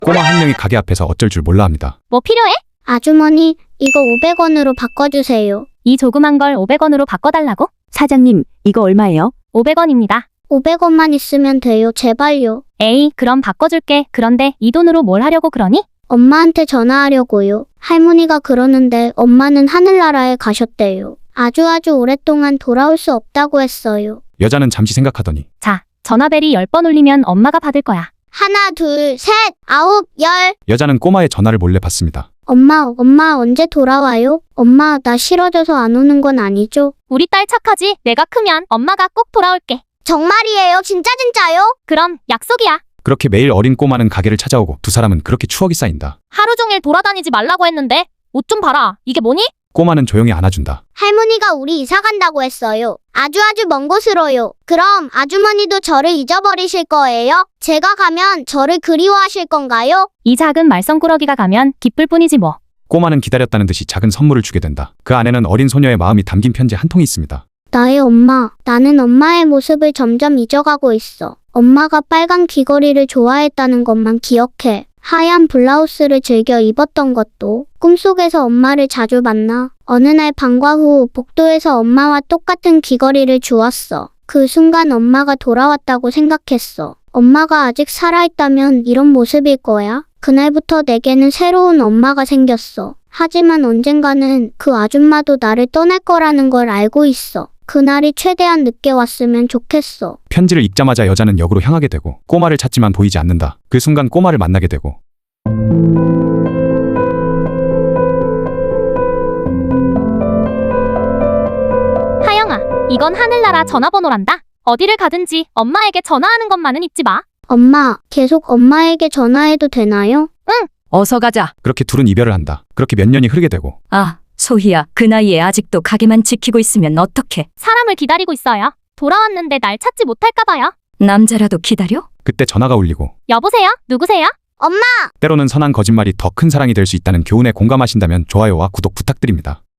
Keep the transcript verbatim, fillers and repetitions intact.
꼬마 한 명이 가게 앞에서 어쩔 줄 몰라 합니다. 뭐 필요해? 아주머니, 이거 오백 원으로 바꿔주세요. 이 조그만 걸 오백 원으로 바꿔달라고? 사장님, 이거 얼마예요? 오백 원입니다. 오백 원만 있으면 돼요. 제발요. 에이, 그럼 바꿔줄게. 그런데 이 돈으로 뭘 하려고 그러니? 엄마한테 전화하려고요. 할머니가 그러는데 엄마는 하늘나라에 가셨대요. 아주 아주 오랫동안 돌아올 수 없다고 했어요. 여자는 잠시 생각하더니 자, 전화벨이 열 번 울리면 엄마가 받을 거야. 하나, 둘, 셋, 아홉, 열. 여자는 꼬마의 전화를 몰래 받습니다. 엄마, 엄마 언제 돌아와요? 엄마, 나 싫어져서 안 오는 건 아니죠? 우리 딸 착하지? 내가 크면 엄마가 꼭 돌아올게. 정말이에요? 진짜 진짜요? 그럼 약속이야. 그렇게 매일 어린 꼬마는 가게를 찾아오고 두 사람은 그렇게 추억이 쌓인다. 하루 종일 돌아다니지 말라고 했는데 옷 좀 봐라. 이게 뭐니? 꼬마는 조용히 안아준다. 할머니가 우리 이사 간다고 했어요. 아주 아주 먼 곳으로요. 그럼 아주머니도 저를 잊어버리실 거예요? 제가 가면 저를 그리워하실 건가요? 이 작은 말썽꾸러기가 가면 기쁠 뿐이지 뭐. 꼬마는 기다렸다는 듯이 작은 선물을 주게 된다. 그 안에는 어린 소녀의 마음이 담긴 편지 한 통이 있습니다. 나의 엄마, 나는 엄마의 모습을 점점 잊어가고 있어. 엄마가 빨간 귀걸이를 좋아했다는 것만 기억해. 하얀 블라우스를 즐겨 입었던 것도. 꿈속에서 엄마를 자주 만나. 어느 날 방과 후 복도에서 엄마와 똑같은 귀걸이를 주었어. 그 순간 엄마가 돌아왔다고 생각했어. 엄마가 아직 살아있다면 이런 모습일 거야. 그날부터 내게는 새로운 엄마가 생겼어. 하지만 언젠가는 그 아줌마도 나를 떠날 거라는 걸 알고 있어. 그날이 최대한 늦게 왔으면 좋겠어. 편지를 읽자마자 여자는 역으로 향하게 되고 꼬마를 찾지만 보이지 않는다. 그 순간 꼬마를 만나게 되고 하영아, 이건 하늘나라 전화번호란다. 어디를 가든지 엄마에게 전화하는 것만은 잊지 마. 엄마, 계속 엄마에게 전화해도 되나요? 어서 가자. 그렇게 둘은 이별을 한다. 그렇게 몇 년이 흐르게 되고 아, 소희야, 그 나이에 아직도 가게만 지키고 있으면 어떡해. 사람을 기다리고 있어요. 돌아왔는데 날 찾지 못할까 봐요. 남자라도 기다려? 그때 전화가 울리고 여보세요? 누구세요? 엄마! 때로는 선한 거짓말이 더 큰 사랑이 될 수 있다는 교훈에 공감하신다면 좋아요와 구독 부탁드립니다.